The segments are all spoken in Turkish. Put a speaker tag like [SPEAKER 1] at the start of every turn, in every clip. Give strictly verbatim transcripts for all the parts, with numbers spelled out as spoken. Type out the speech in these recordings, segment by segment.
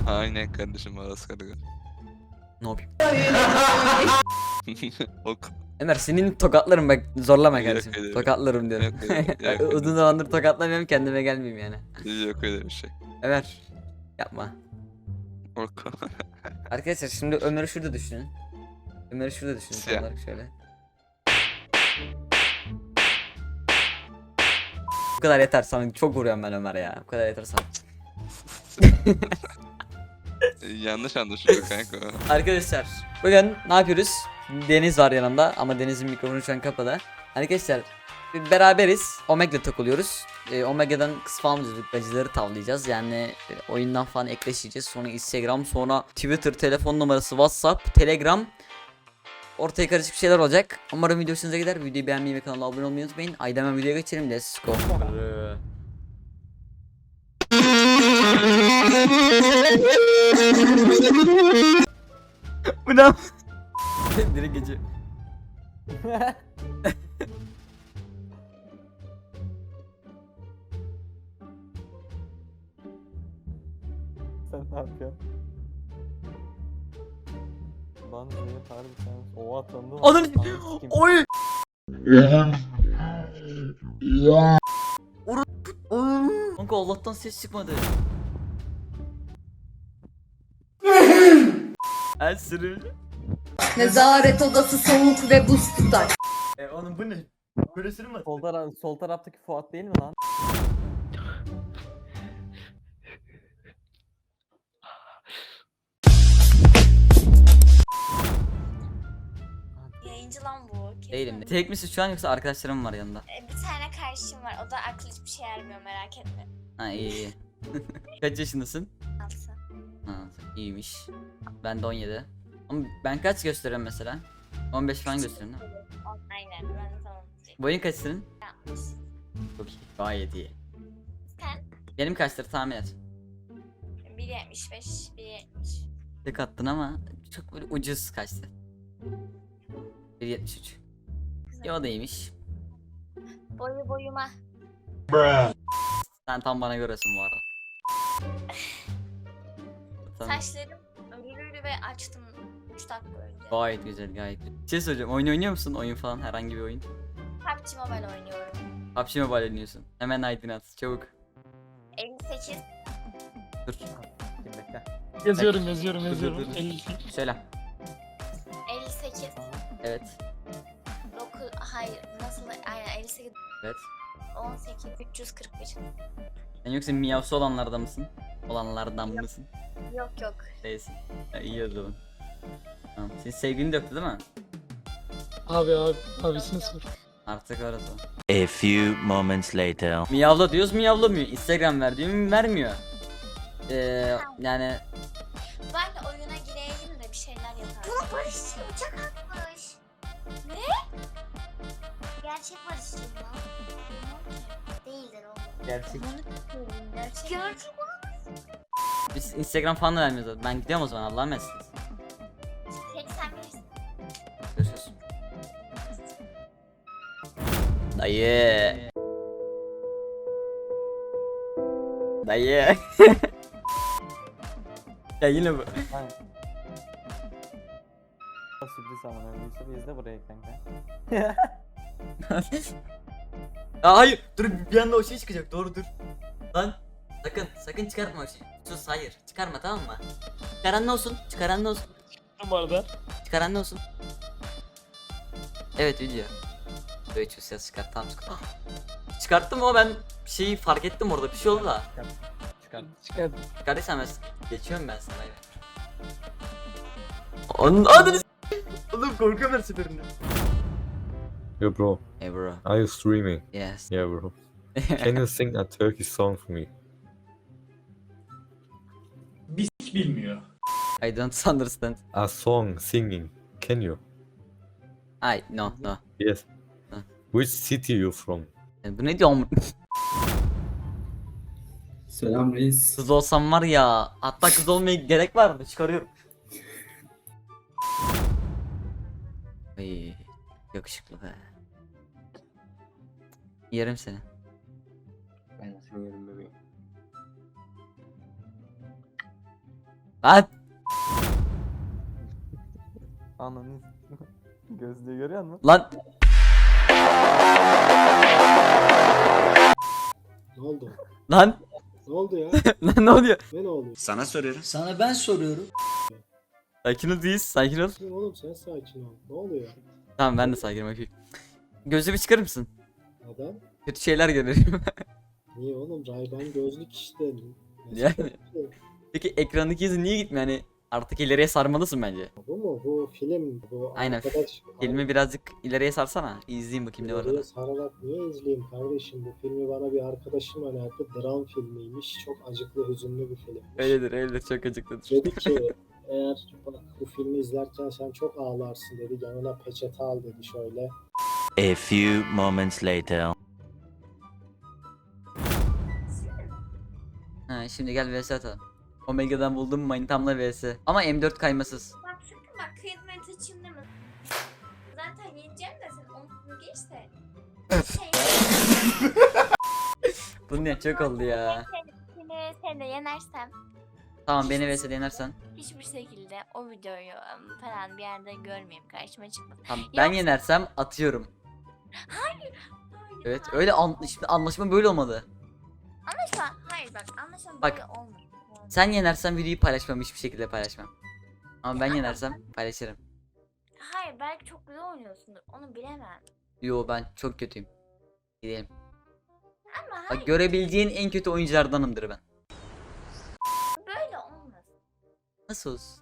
[SPEAKER 1] Aynen kardeşim Aras Karga.
[SPEAKER 2] Ne yapayım?
[SPEAKER 1] Ok.
[SPEAKER 2] Ömer senin tokatlarım bak, zorlama
[SPEAKER 1] Yok
[SPEAKER 2] kardeşim.
[SPEAKER 1] öyle bir-
[SPEAKER 2] Tokatlarım diyorum.
[SPEAKER 1] Yok öyle- yok öyle
[SPEAKER 2] Uzun
[SPEAKER 1] bir-
[SPEAKER 2] zamandır tokatlamıyorum, kendime gelmeyeyim yani.
[SPEAKER 1] Yok öyle bir şey.
[SPEAKER 2] Ömer yapma.
[SPEAKER 1] Ok.
[SPEAKER 2] Arkadaşlar şimdi Ömer'i şurada düşünün. Ömer'i şurada düşünün tam
[SPEAKER 1] Siyah.
[SPEAKER 2] olarak şöyle. Bu kadar yeter sana, çok vuruyorum ben Ömer ya. Bu kadar yeter sana.
[SPEAKER 1] Yanlış anlaşılıyor kanka.
[SPEAKER 2] Arkadaşlar bugün ne yapıyoruz? Deniz var yanımda ama Deniz'in mikrofonu şu an kapalı. Arkadaşlar beraberiz. Omega takılıyoruz. Ee, Omega'dan kız falan izliyorduk. Bacıları tavlayacağız. Yani e, oyundan falan ekleşeceğiz. Sonra Instagram, sonra Twitter, telefon numarası, WhatsApp, Telegram. Ortaya karışık bir şeyler olacak. Umarım video hoşunuza gider. Videoyu beğenmeyi ve kanala abone olmayı unutmayın. Haydi hemen videoya geçelim. Let's go. Bu ne? Direkt geçiyor.
[SPEAKER 3] Sen ne yapıyorsun? Lan Zeynep harbi sen oha tanıdın.
[SPEAKER 2] Ananı oy. Kanka Allah'tan ses çıkmadı. El sürü.
[SPEAKER 4] Nezaret odası soğuk ve buz tutar.
[SPEAKER 2] E oğlum bu ne? Böyle sürünmez.
[SPEAKER 3] Sol, tara sol taraftaki Fuat değil mi lan?
[SPEAKER 5] Yayıncı lan bu. Kesin.
[SPEAKER 2] Değilim de. Tek misin şu an yoksa arkadaşlarım var yanında?
[SPEAKER 5] E, Bir tane kardeşim var. O da aklı hiçbir şey ermiyor, merak etme.
[SPEAKER 2] Ha iyi iyi. Kaç yaşındasın?
[SPEAKER 5] Altı.
[SPEAKER 2] Ha iyiymiş. Ben de on yedi. Ama ben kaç gösteriyorum mesela? on beş falan gösteriyorum değil mi?
[SPEAKER 5] On- Aynen, ben de tamam diyecektim.
[SPEAKER 2] Boyun kaç senin?
[SPEAKER 5] Yanlış.
[SPEAKER 2] Çok iyi. Gayet iyi.
[SPEAKER 5] Sen
[SPEAKER 2] Benim kaçtır tahmin et.
[SPEAKER 5] bir yetmiş beş, bir yetmiş.
[SPEAKER 2] Tek attın ama çok böyle ucuz kaçtı. bir yetmiş üç. Ya o da iyiymiş.
[SPEAKER 5] Boyu boyuma.
[SPEAKER 2] Sen tam bana göresin bu arada. Tamam.
[SPEAKER 5] Saçlarım örülü ve açtım üç dakika önce.
[SPEAKER 2] Gayet güzel, gayet güzel. Bir şey söyleyeceğim. Oyun oynuyor musun? Oyun falan, herhangi bir oyun.
[SPEAKER 5] P U B G Mobile oynuyorum.
[SPEAKER 2] P U B G Mobile oynuyorsun. Hemen I D'ni at. Çabuk.
[SPEAKER 5] elli sekiz.
[SPEAKER 2] Dur.
[SPEAKER 3] Kim bekle.
[SPEAKER 6] Yazıyorum yazıyorum
[SPEAKER 2] Dur,
[SPEAKER 6] yazıyorum.
[SPEAKER 2] dur, dur.
[SPEAKER 6] elli.
[SPEAKER 2] Söyle.
[SPEAKER 5] elli sekiz.
[SPEAKER 2] Evet.
[SPEAKER 5] dokuz. Hayır, nasıl? Aynen elli sekiz.
[SPEAKER 2] Evet.
[SPEAKER 5] on sekiz. üç yüz kırk bir.
[SPEAKER 2] Sen yoksa miyavsı olanlardan mısın? Olanlardan mısın?
[SPEAKER 5] Yok yok.
[SPEAKER 2] Değilsin. Ha, iyi o zaman. Tamam. Senin sevgilin de yoktu değil mi?
[SPEAKER 6] Abi abi abisini sor.
[SPEAKER 2] Artık orası.
[SPEAKER 7] A few moments later.
[SPEAKER 2] Miyavla diyoruz, miyavlamıyor. Instagram ver diyor, vermiyor. Ee, yani
[SPEAKER 5] Ben de oyuna gireyim de bir şeyler yaparım. Bunu barışçı uçak atmış. Ne? Gerçek barışçı mı? Değildir oğlum.
[SPEAKER 2] gerçek.
[SPEAKER 5] Gerçek. Gerçek.
[SPEAKER 2] Biz Instagram falan da vermiyoruz. Ben gidiyorum o zaman. Allah'a emanetsiniz.
[SPEAKER 5] seksen bir.
[SPEAKER 2] Görüşürüz. Dayı. Dayı. Ya yine bu.
[SPEAKER 3] Hayır. Sürpriz amına Yusuf izle burayı kanka.
[SPEAKER 2] Ya hayır, dur bir anda o şey çıkacak. Doğru dur. Lan sakın sakın çıkartma o şeyi. Sus, hayır çıkarma, tamam mı? Çıkaran ne olsun? Çıkaran ne olsun?
[SPEAKER 6] Bu arada.
[SPEAKER 2] Çıkaran ne olsun? Evet video. Böyle hiç ses çıkart, tamam çıkart. Çıkarttım ama ben bir şeyi fark ettim, orada bir şey oldu da.
[SPEAKER 3] Çıkar.
[SPEAKER 6] Çıkar.
[SPEAKER 2] Çıkardıysan ben geçiyorum ben sana. Onun adını s- Oğlum korkuyorum her seferinde.
[SPEAKER 8] Yo, bro,
[SPEAKER 2] Hey bro.
[SPEAKER 8] are you streaming?
[SPEAKER 2] Yes.
[SPEAKER 8] Yeah, bro. Can you sing a Turkish song for me?
[SPEAKER 2] I don't understand.
[SPEAKER 8] A song singing. Can you?
[SPEAKER 2] I no no.
[SPEAKER 8] Yes.
[SPEAKER 2] Huh.
[SPEAKER 8] Which city you from?
[SPEAKER 2] E, Bu ne diyorum?
[SPEAKER 9] Selam reis.
[SPEAKER 2] Kız olsam var ya. Hatta kız olmaya gerek var mı? Çıkarıyorum. Ay, yakışıklı be. Yerim seni.
[SPEAKER 9] Ben seni yerim bebeğim.
[SPEAKER 2] Lan
[SPEAKER 3] Ananı. Gözlüğü görüyor musun?
[SPEAKER 2] lan
[SPEAKER 9] Ne oldu?
[SPEAKER 2] lan
[SPEAKER 9] Ne oldu ya?
[SPEAKER 2] lan ne oluyor?
[SPEAKER 9] Ne ne oluyor?
[SPEAKER 7] Sana soruyorum.
[SPEAKER 10] Sana ben soruyorum.
[SPEAKER 2] Sakin ol Reis, sakin ol.
[SPEAKER 9] Kim oğlum sen sakin ol. Ne oluyor?
[SPEAKER 2] Tamam ben de sakinim bakayım. Gözlüğümü çıkarır mısın?
[SPEAKER 9] Neden?
[SPEAKER 2] Kötü şeyler görüyorum.
[SPEAKER 9] Niye oğlum? Ray-Ban gözlük işte. Nasıl
[SPEAKER 2] Yani.
[SPEAKER 9] kötü?
[SPEAKER 2] Peki ekrandaki hızı niye gitmiyor? Yani artık ileriye sarmalısın bence.
[SPEAKER 9] Bu mu? Bu film. Bu
[SPEAKER 2] Aynen,
[SPEAKER 9] arkadaş.
[SPEAKER 2] Filmi birazcık ileriye sarsana. İzleyeyim bakayım ne var
[SPEAKER 9] Oraya
[SPEAKER 2] orada.
[SPEAKER 9] sararak niye izleyeyim kardeşim? Bu filmi bana bir arkadaşım önerdi. Dram filmiymiş. Çok acıklı, hüzünlü bir filmmiş.
[SPEAKER 2] Öyledir öyledir çok acıklıdır.
[SPEAKER 9] Dedi ki eğer bak, bu filmi izlerken sen çok ağlarsın dedi. Yanına peçete al dedi şöyle.
[SPEAKER 7] A few moments later.
[SPEAKER 2] Ha şimdi gel vs atalım. Omega'dan buldum manitamla vs. Ama M dört kaymasız.
[SPEAKER 5] Bak sakın bak kıymet açayım deme. Zaten yiyeceğim de sen onu geç de. Şey,
[SPEAKER 2] Bu ne çok oldu ya.
[SPEAKER 5] seni, seni de yenersem
[SPEAKER 2] Tamam beni vs yenersen.
[SPEAKER 5] hiçbir şekilde o videoyu ım, falan bir yerde görmeyeyim, karşıma çıkmasın.
[SPEAKER 2] Tamam ben
[SPEAKER 5] Yoksa-
[SPEAKER 2] yenersem atıyorum.
[SPEAKER 5] Hayır.
[SPEAKER 2] Evet
[SPEAKER 5] hayır.
[SPEAKER 2] öyle an şimdi anlaşma böyle olmadı.
[SPEAKER 5] Anlaşma. Hayır bak anlaşma
[SPEAKER 2] Bak,
[SPEAKER 5] böyle olmuyor.
[SPEAKER 2] Sen yenersen videoyu paylaşmam, hiçbir şekilde paylaşmam. Ama ben yenersem paylaşırım.
[SPEAKER 5] Hayır belki çok güzel oynuyorsundur. Onu bilemem.
[SPEAKER 2] Yo ben çok kötüyüm. Gidelim.
[SPEAKER 5] Ama hayır
[SPEAKER 2] Bak görebileceğin en kötü oyunculardanımdır ben.
[SPEAKER 5] böyle olmaz.
[SPEAKER 2] Nasıl olsun?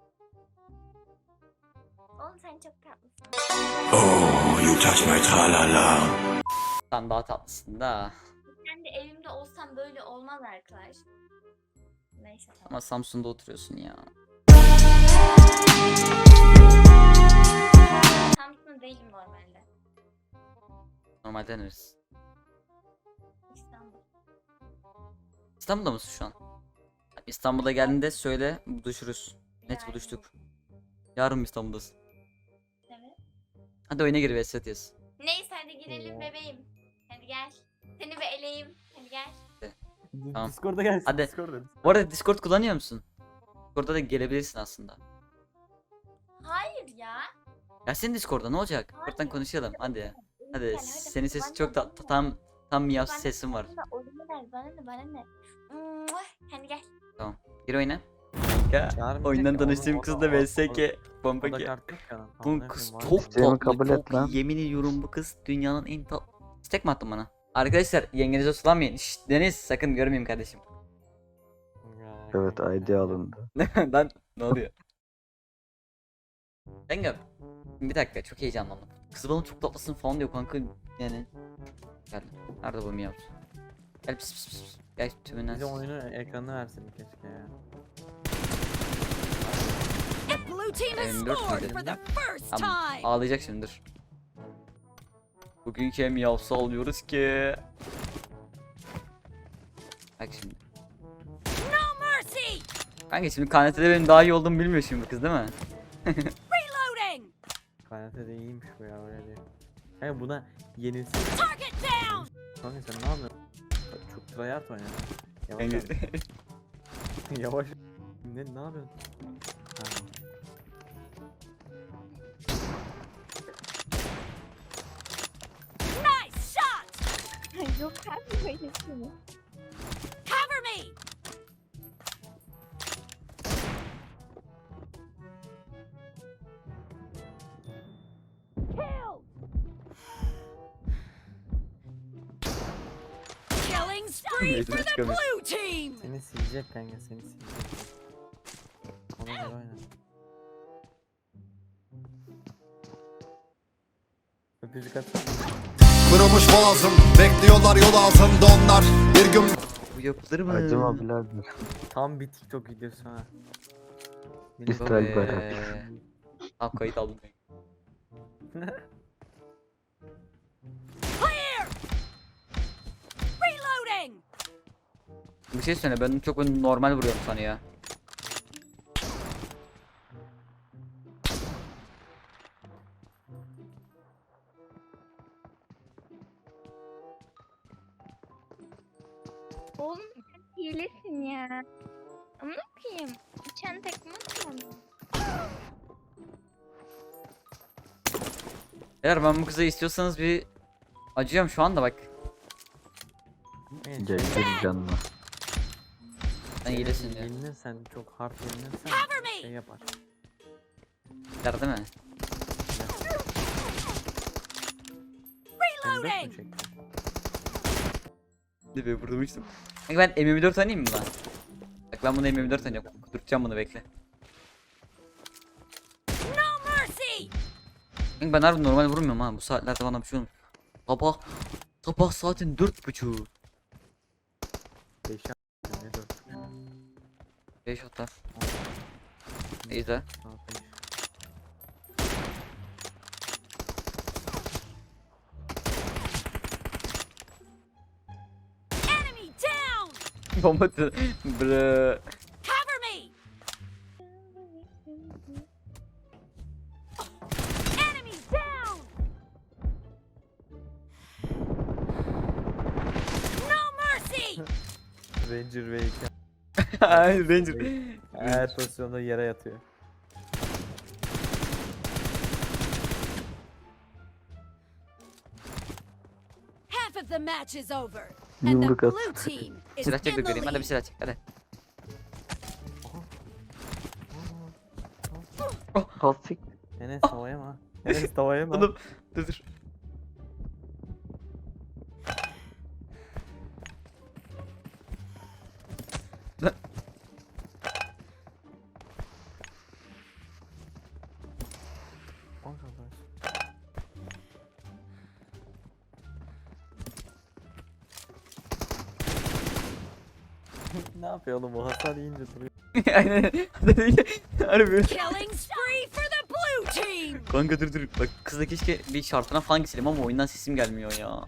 [SPEAKER 5] Oğlum sen çok tatlısın.
[SPEAKER 7] Oh, you touch my tra-la-la.
[SPEAKER 2] Sen daha tatlısın da.
[SPEAKER 5] Ben de evimde olsam böyle olmaz arkadaş. Neyse tamam.
[SPEAKER 2] Ama Samsun'da oturuyorsun ya.
[SPEAKER 5] Samsun'da değilim normalde.
[SPEAKER 2] Normalde neresi?
[SPEAKER 5] İstanbul.
[SPEAKER 2] İstanbul'da mısın şu an? İstanbul'a geldiğinde söyle buluşuruz. Net
[SPEAKER 5] Yani,
[SPEAKER 2] buluştuk. Yarın mı İstanbul'dasın?
[SPEAKER 5] Evet.
[SPEAKER 2] Hadi oyuna gir ve set yaz.
[SPEAKER 5] Neyse hadi girelim bebeğim. Hadi gel. Seni bir eleyim. Hadi gel.
[SPEAKER 2] Tamam.
[SPEAKER 3] Discord'a gelsin.
[SPEAKER 2] Hadi.
[SPEAKER 3] Discord'a.
[SPEAKER 2] Bu arada Discord kullanıyor musun? Discord'da da gelebilirsin aslında.
[SPEAKER 5] Hayır ya.
[SPEAKER 2] Ya senin Discord'da ne olacak?
[SPEAKER 5] Hayır.
[SPEAKER 2] Buradan konuşalım hadi. Hadi
[SPEAKER 5] Lütfen,
[SPEAKER 2] senin sesin
[SPEAKER 5] Bana
[SPEAKER 2] çok
[SPEAKER 5] ne,
[SPEAKER 2] da
[SPEAKER 5] bana ne?
[SPEAKER 2] tam tam miyav
[SPEAKER 5] Bana
[SPEAKER 2] sesin var.
[SPEAKER 5] ne, oyunu ver, Bana ne bana ne. Mua, Hadi gel.
[SPEAKER 2] Gir oyuna. Kanka
[SPEAKER 3] Çağırmayacak
[SPEAKER 2] oyundan
[SPEAKER 3] ya,
[SPEAKER 2] tanıştığım
[SPEAKER 3] onu-
[SPEAKER 2] kız
[SPEAKER 3] onu-
[SPEAKER 2] da
[SPEAKER 3] onu-
[SPEAKER 2] V S K bomba
[SPEAKER 3] O da
[SPEAKER 2] ki.
[SPEAKER 3] kart yok ya.
[SPEAKER 2] Bu
[SPEAKER 3] Amına
[SPEAKER 2] kız
[SPEAKER 3] koyayım, var
[SPEAKER 2] çok
[SPEAKER 3] ya.
[SPEAKER 2] tatlı,
[SPEAKER 10] kabul et
[SPEAKER 2] çok
[SPEAKER 10] lan.
[SPEAKER 2] iyi. Yemin ediyorum bu kız dünyanın en tatlı. Stek mi attın bana? Arkadaşlar yengenize sulanmayın. Şşt Deniz sakın görmeyeyim kardeşim.
[SPEAKER 3] Ya,
[SPEAKER 10] Evet
[SPEAKER 3] kanka.
[SPEAKER 10] I D alındı.
[SPEAKER 2] Lan ne oluyor? Engin bir dakika çok heyecanlandım. Kız bana çok tatlısın falan diyor kanka yani. Gel. Nerede bu miyav? Gel pis pis pis. Gel tümünden.
[SPEAKER 3] Bize oyunu ekranına versin keşke ya.
[SPEAKER 2] M dört müydü? Tamam, ağlayacak şimdi dur. Bugünkü miyavsı alıyoruz ki. Bak şimdi. Kanka şimdi K N T'de benim daha iyi olduğumu bilmiyor şimdi bu kız değil mi?
[SPEAKER 3] Kaynata da iyiymiş bu ya öyle diyor. Kanka buna yenilsin. Kanka sen ne yapıyorsun? Bak, çok tryhard oynuyor. Yavaş
[SPEAKER 2] Kanka.
[SPEAKER 3] ol. Yavaş. Ne ne yapıyorsun? Tamam.
[SPEAKER 5] Yok abi böyle şey.
[SPEAKER 2] Mecbur çıkamıyor.
[SPEAKER 3] Seni silecek kanka seni silecek. Ona göre oyna. Öpücük atsana.
[SPEAKER 11] Kırılmış boğazım, bekliyorlar yol ağzımda onlar. Bir gün
[SPEAKER 2] Bu yapılır mı?
[SPEAKER 10] Acıma birader.
[SPEAKER 3] Tam bir TikTok videosu ha.
[SPEAKER 10] İsrail bayrağı.
[SPEAKER 2] Eee, Tamam kayıt aldım. Bir şey söyle ben çok normal vuruyorum sana ya.
[SPEAKER 5] Oğlum sen hilesin ya. Amına koyayım. Uçan Sen tekme atma mı?
[SPEAKER 2] Eğer ben bu kızı istiyorsanız bir acıyorum şu anda bak.
[SPEAKER 3] Evet.
[SPEAKER 10] Gel gel canına.
[SPEAKER 2] Sen iyilesin diyor.
[SPEAKER 3] Yenilirsen çok hard yenilirsen şey yapar.
[SPEAKER 2] Der değil mi?
[SPEAKER 3] Sen dört mü çektin?
[SPEAKER 2] Dibe vurmuştum. Kanka ben M yirmi dört oynayayım mı lan? Bak ben bunu M yirmi dört oynayacağım. Kudurtacağım bunu bekle. Kanka ben harbi normal vurmuyorum ha. Bu saatlerde bana bir şey olmuyor. Sabah sabah saatin dört buçuğu.
[SPEAKER 3] beş ne dört?
[SPEAKER 2] beş hatta. İyi de. Bomba attı. Bre.
[SPEAKER 3] Ranger V iki.
[SPEAKER 2] Ay Ranger.
[SPEAKER 3] Her pozisyonda yere yatıyor.
[SPEAKER 5] Half of the match is over.
[SPEAKER 10] Yumruk at.
[SPEAKER 2] Silah çek de göreyim. Hadi bir silah çek hadi.
[SPEAKER 10] Hastik.
[SPEAKER 3] Enes tavaya mı? Enes tavaya mı?
[SPEAKER 2] Oğlum dur dur. Lan.
[SPEAKER 3] Ne yapıyor oğlum o hasar yiyince duruyor.
[SPEAKER 2] Aynen. Harbi.
[SPEAKER 5] Killing spree for the blue team.
[SPEAKER 2] Kanka dur dur. Bak kızla keşke bir şartına falan geçelim ama oyundan sesim gelmiyor ya.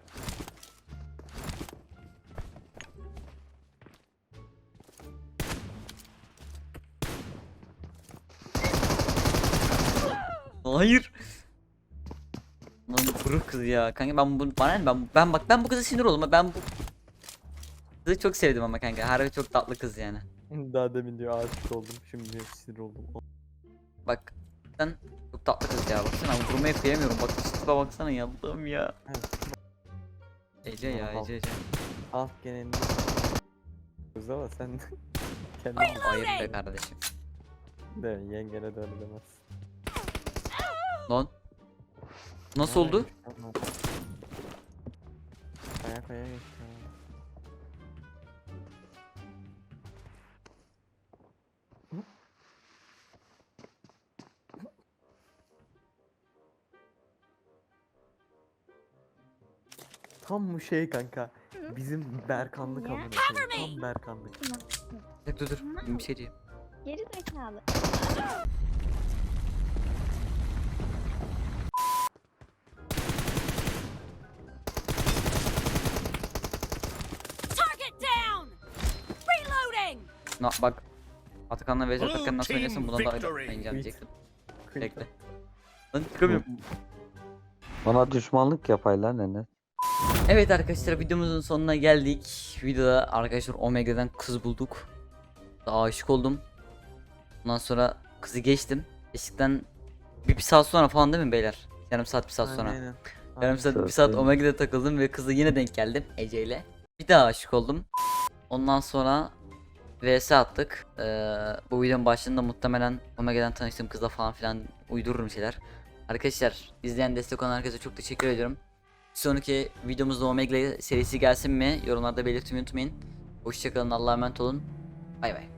[SPEAKER 2] Hayır. Lan buruk kız ya. Kanka ben bu bana ne? ben ben bak ben bu kıza sinir oldum. Ben bu kızı çok sevdim ama kanka. Harbi çok tatlı kız yani.
[SPEAKER 3] Daha demin diyor aşık oldum. Şimdi diyor sinir oldum.
[SPEAKER 2] Bak sen çok tatlı kız ya. Baksana vurmaya kıyamıyorum. Bak üstüne baksana yandım ya. Ece ya Ece Ece.
[SPEAKER 3] Alt genelinde. Kız ama sen kendin
[SPEAKER 2] Hayır be kardeşim.
[SPEAKER 3] de yengene de öyle demez.
[SPEAKER 2] Lan. Nasıl oldu?
[SPEAKER 3] Kaya kaya geçti. Tam bu şey kanka. Bizim Berkanlık amına koyayım. Tam Berkanlık.
[SPEAKER 2] Dur dur dur. Bir şey diyeyim.
[SPEAKER 5] Geri zekalı. Target down. Reloading.
[SPEAKER 2] Na bak. Atakan'la Vezir Atakan nasıl oynasın buna da oynayacağım diyecektim. Bekle. Lan çıkamıyorum.
[SPEAKER 10] Bana düşmanlık yapaylar Enes.
[SPEAKER 2] Evet arkadaşlar videomuzun sonuna geldik. Videoda arkadaşlar Omega'dan kız bulduk. Daha aşık oldum. Ondan sonra kızı geçtim. Geçtikten bir, bir saat sonra falan değil mi beyler? Yarım saat bir saat sonra.
[SPEAKER 3] Aynen.
[SPEAKER 2] Yarım saat bir
[SPEAKER 10] Saat
[SPEAKER 2] saat
[SPEAKER 10] sonra.
[SPEAKER 2] Omega'da takıldım ve kızla yine denk geldim Ece ile. Bir daha aşık oldum. Ondan sonra V S attık. Ee, bu videonun başında muhtemelen Omega'dan tanıştığım kızla falan filan uydururum şeyler. Arkadaşlar izleyen destek olan herkese çok teşekkür ediyorum. Bir sonraki videomuzda Omega serisi gelsin mi? Yorumlarda belirtmeyi unutmayın. Hoşçakalın, Allah'a emanet olun. Bay bay.